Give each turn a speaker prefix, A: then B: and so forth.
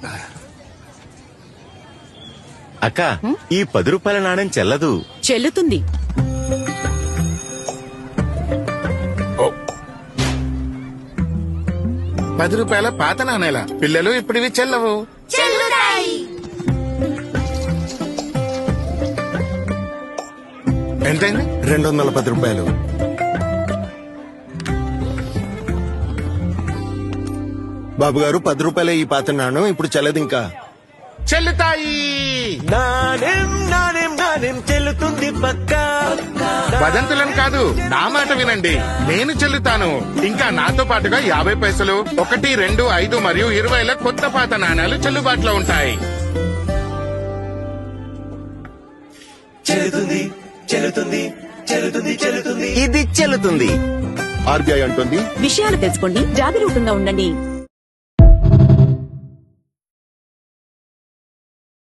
A: అక్క ఈ 10 రూపాయల నాణ్యం చెల్లదు.
B: చెల్లుతుంది.
C: ₹10 పాత నాణేల పిల్లలు ఇప్పుడు ఇవి చెల్లవు. ఎంతైంది?
D: ₹210. బాబు గారు ₹10 ఈ పాత నాణ్యం ఇప్పుడు చెల్లదు. ఇంకా
C: చెల్లుతాయి.
A: నాణ్యం నాణ్యం నాణ్యం చెల్లుతుంది పక్కా.
C: వదంతులను కాదు, నా మాట వినండి. నేను చెల్లుతాను. ఇంకా నాతో పాటుగా 50 పైసలు, 1, 2, 5 మరియు 20 కొత్త పాత నాణాలు చెల్లుబాటులో ఉంటాయి.
A: చెల్లుతుంది చెల్లుతుంది చెల్లుతుంది చెల్లుతుంది.
D: ఇది చెల్లుతుంది. ఆర్బీఐ అంటుంది
B: విషయాలు తెలుసుకోండి, జాగరూకంగా ఉండండి.